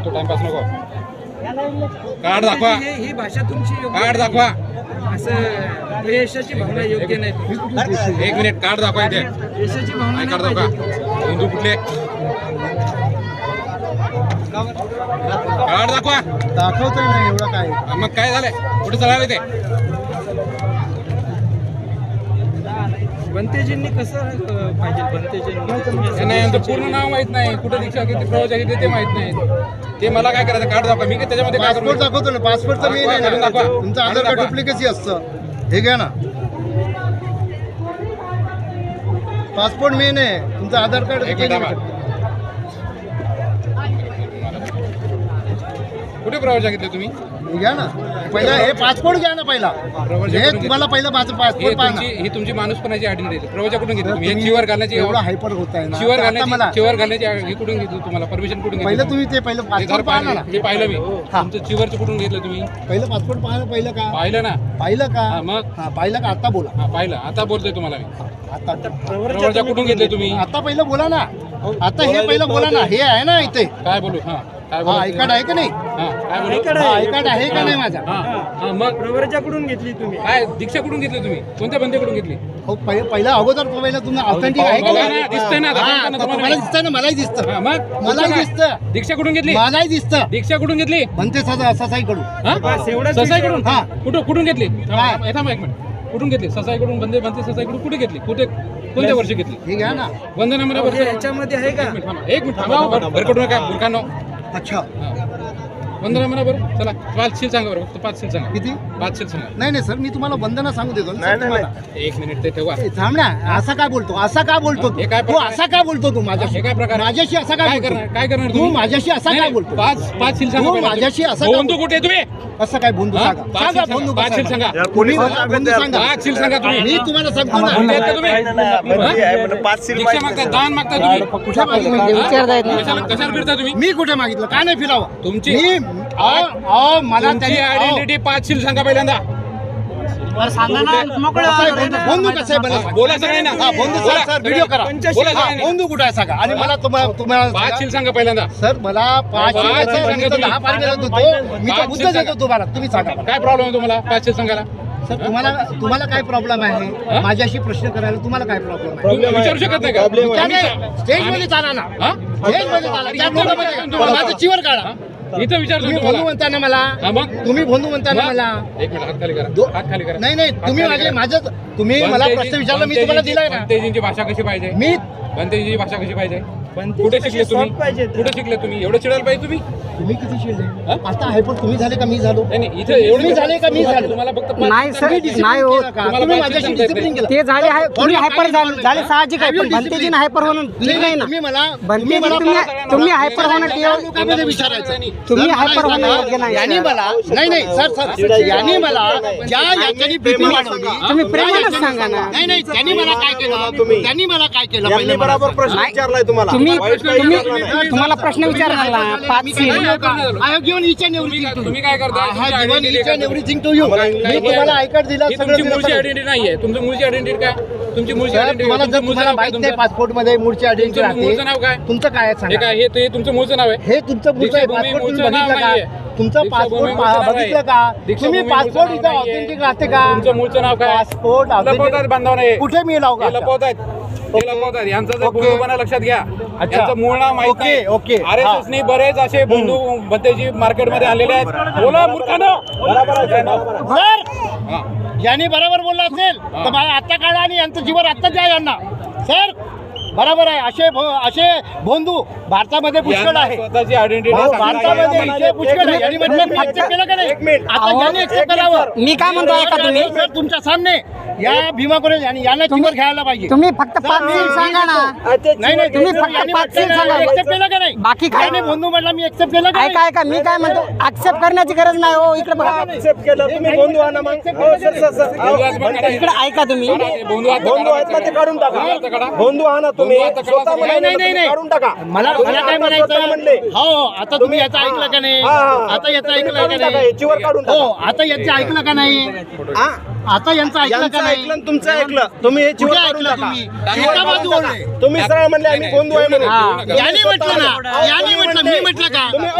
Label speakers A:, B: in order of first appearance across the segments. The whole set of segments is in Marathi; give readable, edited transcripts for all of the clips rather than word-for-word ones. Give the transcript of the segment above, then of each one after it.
A: तू टाइमपास नको. कार्ड दाखवा.
B: ही भाषा तुमची
A: कार्ड दाखवा.
B: असं यशाची भावना योग्य नाही.
A: 1 मिनिट कार्ड दाखवा इथे.
B: यशाची भावना
A: काय
B: नाही
A: कार्ड दाखवा.
B: पाहिजे.
A: हिंदू कुठले कार्ड दाखवा.
C: दाखवतोय ना एवढं काय.
A: मग काय झालंय कुठे चालणार ते.
B: बनतेजींनी कसं पाहिजे. बनतेजींनी
A: नाही यांचं पूर्ण नाव माहित नाही. कुठे दीक्षा किती प्रवचन किती ते माहित नाही. ते मला काय करायचं कार्ड दाखवा. मी काय त्याच्यामध्ये काय
C: पासपोर्ट
A: करू.
C: दाखवतो ना. पासपोर्टचं मेन आहे ना.
A: दाखवा.
C: तुमचं आधार कार्ड डुप्लिकेसी असतं. हे घ्या ना. पासपोर्ट मेन आहे. तुमचं आधार कार्ड
A: एक मिनिट कुठे प्रवचन घेतले तुम्ही.
C: हे घ्या ना. पहिला हे पासपोर्ट घ्या ना. पहिला हे तुम्हाला पहिलं माझं पासपोर्ट पाहा ना.
A: ही तुमची माणूसपणाची आयडेंटिटी प्रवचन कुठून घेतली तुम्ही. हे चिवर घालण्याची
C: एवढा हायपर होत आहे ना.
A: चिवर
C: आता मला
A: घालण्याची ही कुठून घेतली तुम्हाला परमिशन कुठून घेतली.
C: पहिलं तुम्ही ते पहिलं
A: हे घर
C: पासपोर्ट पाहा ना.
A: हे पाहिलं मी. तुमचं चिवरचं कुठून घेतलं तुम्ही.
C: पहिलं पासपोर्ट पाहा ना. पहिलं का
A: पाहिलं ना.
C: पाहिलं का.
A: हा, मग
C: हा पाहिलं का. आता बोला.
A: हा पाहिलं. आता बोलतोय तुम्हाला मी.
C: आता
A: प्रवचन कुठून घेतले तुम्ही.
C: आता पहिलं बोला ना. आता हे पहिलं बोला ना. हे आहे ना इथे.
A: काय बोलू. हा काय
C: हा
A: बोलू.
C: आय कार्ड आहे का नाही.
A: हा काय बोलू.
C: हा आय कार्ड आहे का नाही माझा.
A: हा हा मग
B: प्रवरच्याकडून घेतली तुम्ही.
A: काय दीक्षा कुठून घेतली तुम्ही. कोणत्या बंदेकडून घेतली.
C: हो पहिलं अगोदर पहिलं तुम्ही ऑथेंटिक आहे का
A: बघा
C: नाही.
A: ना, दिसतंय ना.
C: हा,
A: दाखवताना
C: आता
A: तुम्हाला.
C: मला दिसतंय ना. मलाही दिसतं.
A: हा, मग
C: मलाही
A: काय?
C: दिसतं.
A: दीक्षा कुठून घेतली.
C: मलाही दिसतं.
A: दीक्षा कुठून घेतली.
C: म्हणते ससाईकडून.
B: बस एवढंच
A: ससाईकडून.
C: हा.
A: कुठून घेतली.
C: काय?
A: थांबा एक मिनिट. कुठून घेतली. ससाईकडून बनते ससाईकडून कुठे घेतली. कोणत्या वर्षी घेतली.
C: हे घ्या ना.
A: वंदना मला वर्ष.
B: याच्यामध्ये आहे का.
A: एक मिनिट थांबा. भरकटू नका बुरखानो.
C: अच्छा
A: वंदना म्हणा बरं. चला 5 शील सांगा बरं. फक्त 5 शील सांगा.
C: किती.
A: 5 शील सांगा.
C: नाही नाही सर मी तुम्हाला वंदना सांगू देतो ना तुम्हाला.
A: 1 मिनिट ते ठेवा.
C: ए, थांब ना. असा काय बोलतो. असा का बोलतो
A: हे काय
C: तू
A: प्रकार?
C: असा का बोलतो तू माझ्याशी.
A: हे काय प्रकार.
C: माझ्याशी असा
A: काय
C: काय
A: करणार.
C: बोलतो.
A: काय करणार
C: तू माझ्याशी असा काय बोलतो.
A: 5 शील सांगा
C: तू
A: पहिला.
C: माझ्याशी असं का
A: बंधू कुठे आहे तुम्ही.
C: असं काय बंधू
A: हा?
C: सांगा.
A: 5
C: सांगा
A: शील
C: बंधू
A: सांगा. 5 शील सांगा.
C: तुम्ही मला बंधू सांगा.
A: 5 शील सांगा तुम्ही.
C: मी तुम्हाला सांगतो ना.
A: कुठे आहेत का तुम्ही. दीक्षा मागता दान मागता तुम्ही.
C: कुठे मागितलं.
A: कशाला फिरता तुम्ही.
C: मी कुठे मागितलं. का नाही फिरावं.
A: तुमची
C: मी मला
A: तुमची आयडेंटिटी 5 शील सांगा पहिल्यांदा.
C: बंधू कसं आहे बरं.
A: बोला सगळे ना.
C: हा बंधू
A: बोला.
C: सर व्हिडिओ करा.
A: बोला
C: हा,
A: सगळ्यांनी.
C: बंधू कुठे आहे सांगा. आणि मला
A: 5
C: तुम्हाला
A: शील सांगा पहिल्यांदा.
C: सर मला 5
A: 5
C: सांगितलं
A: सांगा
C: 10 पार देत होतो. मी तर मुद्दा देतो तुम्हाला. तुम्ही सांगा.
A: काय प्रॉब्लेम आहे तुम्हाला 5 शील सांगायला.
C: सर तुम्हाला काय प्रॉब्लेम आहे. माझ्याशी प्रश्न करायला तुम्हाला काय प्रॉब्लेम आहे.
A: तुम्ही विचारू शकत नाही का.
C: स्टेज मध्ये चाला ना.
A: हा?
C: स्टेज मध्ये चाला. त्या लोकांमध्ये माझं चिवर काढा.
A: इथं विचारतो
C: तुम्ही
A: तुम्हाला.
C: बंधू म्हणता ना मला.
A: हा, मग?
C: तुम्ही बंधू म्हणता ना मला.
A: 1 मिनिट हात खाली करा. हात खाली करा.
C: नाही तुम्ही माझं तुम्ही मला प्रश्न विचारला मी तुम्हाला दिलाय ना.
A: बनतेजींची भाषा कशी पाहिजे.
C: मी
A: बनतेजींची भाषा कशी पाहिजे.
B: बनतेजी
A: कुठे
B: कशी
A: शिकले तुम्ही.
B: soft पाहिजे.
A: कुठे शिकले तुम्ही. एवढं चिडायला पाहिजे तुम्ही.
C: तुम्ही किती शिरले.
A: हा?
C: आता आहे पण तुम्ही झाले का मी झालो.
A: नाही नाही, इथं एवढं
C: तुम्ही झाले का मी झालो.
A: तुम्हाला फक्त
D: नाही सर, नाही हो.
C: तुम्ही माझ्याशी डिसिप्लिन केलं.
D: ते झाले तुम्ही हायपर झाले साहजिक आहे. पण बनतेजीने हायपर होणं ठीक नाही ना.
C: तुम्ही मला
D: तुम्ही हायपर होणं
C: लोकांमध्ये विचारायचं.
D: तुम्ही हायपर होणं योग्य नाही.
C: यांनी मला नाही सर यांनी मला याच्यानी बीपी वाढवली.
D: तुम्ही प्रेमानच सांगा ना.
C: नाही त्यांनी मला काय केलं. त्यांनी मला काय केलं.
E: यांनी बरोबर प्रश्न विचारलाय तुम्हाला.
D: तुम्हाला प्रश्न विचारला ना. 5 शील.
C: I have given each and everything to you.
A: तुम्ही काय करता.
C: I have given each and everything to you. मी तुम्हाला आय कार्ड दिला.
A: ही तुमची मूळची आयडेंटिटी नाहीये. तुमची मूळची आयडेंटिटी काय. तुमची मूळची
C: तुम्हाला जर तुम्हाला माहित नाही पासपोर्ट मध्ये मूळची आयडेंटिटी
A: मूळचं नाव काय.
C: तुमचं काय आहे
A: हे
C: सांगा.
A: काय हे तुमचं मूळचं नाव आहे.
C: हे तुमचं मूळचं आहे.
A: दीक्षाभूमी
C: पासपोर्ट तुम्ही
A: मूळचं नाव
C: बघितलं
A: नाहीये.
C: का. तुमचं
A: दीक्षाभूमी
C: पासपोर्ट
A: मूळचं नाव
C: बघितलं
A: आहे.
C: का.
A: दीक्षाभूमी
C: तुम्ही
A: मूळचं
C: पासपोर्ट
A: नाव
C: इथं
A: नाहीये.
C: ऑथेंटिक राहते का.
A: तुमचं मूळचं नाव काय.
C: पासपोर्ट
A: लपवतात बांधव नाही.
C: कुठे मी लावू
A: हे
C: का.
A: लपवतात. हे लपवतात. यांचं जर
C: ओके.
A: बंधूपणा लक्षात घ्या.
C: अच्छा.
A: यांचं मूळ नाव माहित
C: ओके,
A: नाही.
C: ओके.
A: RSS नी बरेच असे बंधू भत्तेजी मार्केटमध्ये आणलेले आहेत. बोला मूर्खानो.
C: सर
A: हा.
C: यांनी बरोबर बोलला असेल तर मला आत्ता काढा आणि यांचं जीवन आत्ता द्या यांना. सर बरोबर आहे. असे बंधू भारतामध्ये पुष्कळ
A: यांना
C: आहे.
A: स्वतःची आयडेंटिटी
C: भारतामध्ये असे पुष्कळ आहे. यांनी म्हटलं मी accept केलं का नाही. आता यांनी accept करावं.
D: मी काय म्हणतो ऐका तुम्ही.
C: सर तुमच्या सामने या भीमा कोरेज यांना चिवर घ्यायला पाहिजे.
D: तुम्ही फक्त 5 शील सांगा ना.
C: नाही
D: तुम्ही फक्त 5 शील सांगा.
C: एक्सेप्ट केलं का नाही.
D: बाकी काय
C: याने बंधू म्हटला मी एक्सेप्ट केलं का
D: ऐका ऐका मी काय म्हणतो. ऍक्सेप्ट करण्याची गरज नाही हो. इकडे बघा.
E: Accept केलं तुम्ही बंधू आहात ना मग. हो, सर.
D: इकडे ऐका तुम्ही.
A: बंधू
E: बंधू आहेत ना ते काढून टाका. बंधू आहात ना तुम्ही. स्वतः
C: नाही
E: म्हणाले काढून टाका.
C: मला काय म्हणायचं
E: म्हणले.
C: हो आता तुम्ही याचं ऐकलं का नाही. आता याचं ऐकलं का
E: टाका.
C: नाही.
E: याचीवर काढून
C: हो
E: टाका.
C: आता याचं ऐकलं का नाही. आता यांचं ऐकलं का
E: यांचं
C: नाही.
E: ऐकलं आणि तुमचं ऐकलं. तुम्ही हे चिवर
C: कुठे
E: काढून
C: ऐकलं
E: टाका.
C: तुम्ही. एका बाजू बोलले.
E: तुम्ही सरळ म्हणले आम्ही बंधू आहे म्हणून.
C: यांनी म्हटलं ना. यांनी म्हटलं मी म्हटलं का.
E: तुम्ही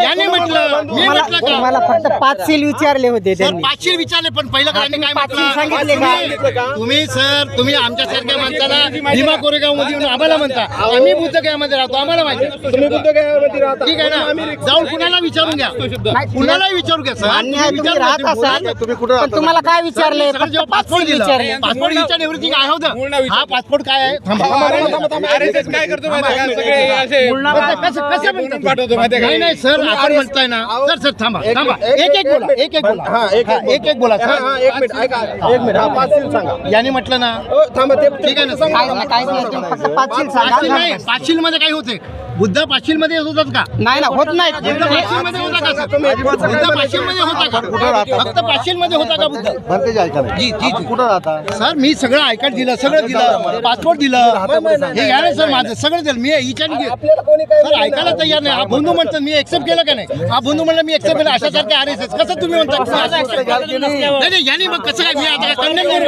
C: याने म्हटलं मी म्हटलं का
D: मला फक्त 5 सील विचारले होते
C: सर
D: त्यांनी.
C: 500 विचारले पण पहिलं काय काय
D: तुम्ही 500 सांगितले का?
C: म्हटलं तुम्ही सर तुम्ही आमच्यासारख्या माणसाला भीमा कोरेगाव मध्ये येऊन आम्हाला म्हणता आम्ही बुद्धगयामध्ये राहतो आम्हाला माहिती
E: तुम्ही बुद्धगयामध्ये राहता.
C: ठीक आहे ना जाऊन कुणाला विचारून घ्या कुणालाही विचारू घ्या सर
D: मान्य आहे तुम्ही राहत असाल पण तुम्हाला काय विचारले फक्त 5 सील विचारले.
C: पासपोर्ट विचार एव्हरीथिंग आहे
A: पूर्ण
C: होतं
A: विचार-
C: हा पासपोर्ट काय आहे थांबा.
A: RSS काय करतो माहिती आहे का? सगळे असे
C: कसं
A: म्हणून पाठवतो माहिती आहे
C: नाही
A: का?
C: नाही सर आपण म्हणताय ना सर थांबा थांबा एक बोला एक बोला
E: हा, एक
C: बोला
E: हा,
C: सर
E: हा, एक मिनिट ऐका एक मिनिट हा 5 सील सांगा.
C: याने म्हटलं ना
E: थांबा ते
C: ठीक आहे ना
E: सांगा.
D: काय नाही काय नाही तुम्ही फक्त 5 सील
C: पाचशील नाही
D: सांगा.
C: पाचशील मध्ये काय होते बुद्ध पाचशील मध्ये होतात का
D: नाही ना होत नाही.
C: बुद्ध पाचशील मध्ये होता का सर? बुद्ध पाचशील मध्ये होता का फक्त पाचशील मध्ये होता का बुद्ध जी जी जी सर मी सगळं आयकार्ड दिलं सगळं दिलं पासपोर्ट दिलं हे घ्या ना सर माझं सगळं दिलं मी हिच्याने सर ऐकायला तयार नाही हा बंधू म्हणतात मी एक्सेप्ट केलं का नाही हा बंधू म्हणलं मी एक्सेप्ट केलं अशा सारखे RSS कसं तुम्ही म्हणता नाही नाही यांनी मग कसं काय मी आता कंडेम करू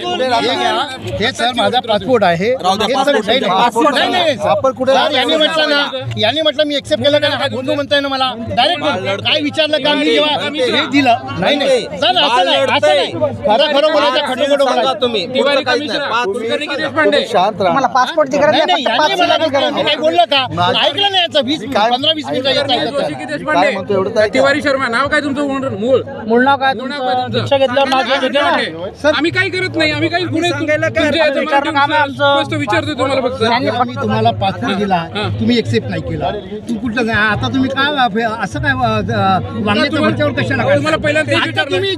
C: यांचं? हे सर माझा पासपोर्ट आहे हे सर नाही, नाही, सर यांनी म्हटलं ना यांनी म्हटलं मी एक्सेप्ट केलं का नाही हा बंधू म्हणताय ना मला डायरेक्ट काय विचारलं का मी जेव्हा हे दिलं नाही नाही सर असं नाही असं नाही खरं खरं बोलायचं खटं खोटं बोलायचं
E: तुम्ही
A: तिवारी कमिशनर कुलकर्णी की देशपांडे
D: तुम्हाला पासपोर्टची गरज
C: नाही
D: नाही
C: नाही
D: फक्त 5
C: यांनी मला
D: सीलाची गरज
C: मी
D: आहे.
C: काय बोललं का ऐकलं नाही याचं 15-20 मिनिटं येत
A: जोशी
C: आहे
A: की देशपांडे तिवारी शर्मा नाव काय तुमचं मूळ
B: मूळ नाव काय
A: मूळ नाव काय तुमचं?
B: दीक्षा घेतल्यावर नाव घेऊन घेते ना.
A: देशपांडे. आम्ही काही करत नाही आम्ही काही गुन्हे
B: सांगायला काय विचारणं काम आहे आमचं.
A: स्पष्ट विचारतो तुम्हाला फक्त
C: मी तुम्हाला पासपोर्ट दिला तुम्ही एक्सेप्ट नाही केला तू कुठलं नाही आता तुम्ही काय असं काय वागण्याच्या वरच्यावर कशाला काय?
A: तुम्हाला पहिल्यांदा तेच
C: आता
A: विचारलं.
C: तुम्ही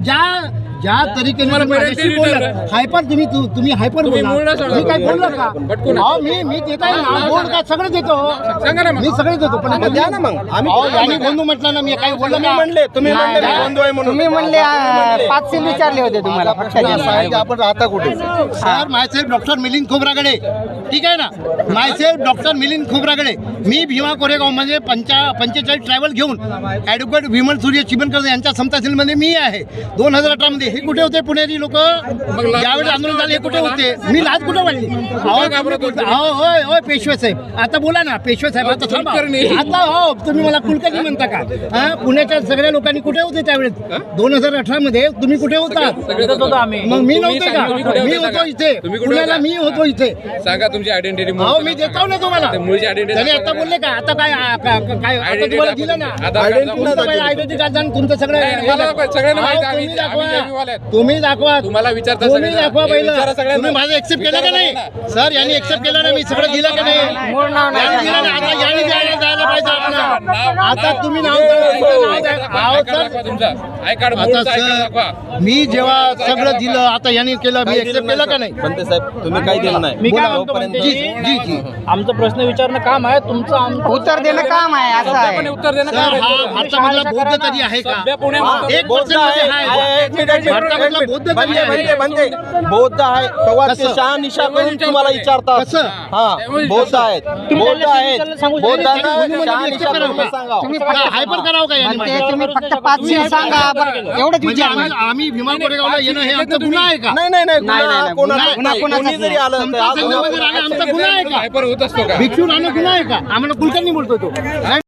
C: ज्या तरीकेने
A: तुम्हाला
C: तुम्ही
A: पहिल्यांदा
C: माझ्याशी
A: तेच
C: बोललात,
A: विचारलं.
C: हायपर तुम्ही हायपर
A: तुम्ही मूळ
C: बोलला
A: नाही सोडा.
C: मी काय बोललो का
A: भटकून.
C: अहो, मी देत आहे ना बोल काय सगळं देतो
A: सांगा ना मग.
C: मी सगळे देतो पण
E: द्या ना मग आम्ही
C: यांनी बंधू म्हटलं ना मी काही बोललो
E: तुम्ही
C: ना
E: म्हणले तुम्ही
D: नाही,
E: म्हणले मी
D: नाही.
E: बंधू आहे म्हणून
D: तुम्ही म्हणले 5 सील विचारले होते तुम्हाला फक्त
C: आपण राहता कुठे sir myself doctor Milind Khobragade ठीक आहे ना मायसेल्फ डॉक्टर मिलिंद खोब्रागडे मी भीमा कोरेगाव मध्ये 45 ट्रॅव्हल घेऊन ॲडव्होकेट विमल सूर्य चिबनकर यांच्या समताशीलमध्ये मी आहे 2018 मध्ये हे कुठे होते पुणेरी लोक ज्यावेळेस आंदोलन झाले हे कुठे होते मी लाज कुठे वाढली होय होय पेशवे साहेब आता बोला ना पेशवे साहेब आता थांबा आता हो तुम्ही मला कुलकर्णी म्हणता का हा पुण्याच्या सगळ्या लोकांनी कुठे होते त्यावेळेस 2018 मध्ये तुम्ही कुठे होता
B: इथंच होतो आम्ही.
C: मग मी
A: तुम्ही
C: नव्हते
A: सांगा,
C: का
A: तुम्ही कुठे
C: मी
A: होते
C: होतो
A: सांगा.
C: इथे
A: तुम्ही कुठे
C: पुण्याला
A: होता?
C: मी होतो इथे
A: सांगा तुमची आयडेंटिटी
C: अहो मी देतो ना तुम्हाला
A: मुळची आयडेंटिटी
C: त्याने आता बोलले का आता काय काय आता तुम्हाला दिलं ना आयडेंटिटी कार्ड आणि तुमचं सगळं
A: नाही, मला नको, सगळ्यांना माहिती आहे,
C: तुम्ही
A: आम्ही
C: दाखवा
A: नेव्हीवाले आहेत.
C: तुम्ही दाखवा
A: तुम्हाला विचारता
C: तुम्ही
A: सगळ्यांना.
C: दाखवा
A: हे
C: पहिलं
A: विचारा सगळ्यांना.
C: तुम्ही माझं एक्सेप्ट केलं का नाही
A: विचारा
C: सर यांनी एक्सेप्ट केलं ना मी सगळं दिलं का नाही
D: मूळ नाव नाही
C: यांनी दिलं ना आता यांनी द्यायला जायला पाहिजे आपल्याला. आता तुम्ही नाव
A: आय कार्ड
C: आता सर मी जेव्हा सगळं दिलं आता यांनी केलं मी एक्सेप्ट केलं का नाही
E: बनते साहेब तुम्ही काही दिलं नाही
B: मी काय म्हणतो
E: जोपर्यंत-
B: म्हणते,
C: जी जी
B: आमचं प्रश्न विचारणं काम आहे तुमचं
D: उत्तर देणं काम आहे असं आहे.
A: उत्तर देणं
C: सर
A: काय
C: हा
A: आहे?
C: भारतामधला बौद्ध तरी आहे का
A: सध्या पुण्यामध्ये
C: एक पर्सेंट मध्ये आहे भारतामधला बौद्ध तरी
E: बनते
C: आहे
E: बनते बौद्ध आहे तेव्हा ते
C: कसं?
E: शहानिशा करून तुम्हाला विचारतात
C: कसं?
E: हा बौद्ध आहेत बौद्ध आहेत
B: सांगू शकता.
E: बौद्धांना
C: तुम्ही
E: शहानिशा
C: करावं
E: करून
C: का?
E: सांगा
D: तुम्ही
C: हायपर करावं का यांनी
D: म्हणते तुम्ही फक्त 5 सील सांगा बरं, एवढंच
C: म्हणजे
D: विचारलं.
C: आम्ही भीमा कोरेगावला येणं हे आमचा गुन्हा आहे का
E: नाही नाही नाही
D: नाही,
E: गुन्हा
D: नाही,
E: कोणाचाच
D: गुन्हा
E: नाही.
D: कोणाचाच
E: कोणी जरी आलं तर
C: समता
E: आज
C: संघामध्ये राहणं आमचा गुन्हा आहे का
A: हायपर होत असतो का
C: भिक्षू राहणं गुन्हा आहे का आम्हाला कुलकर्णी बोलतो तो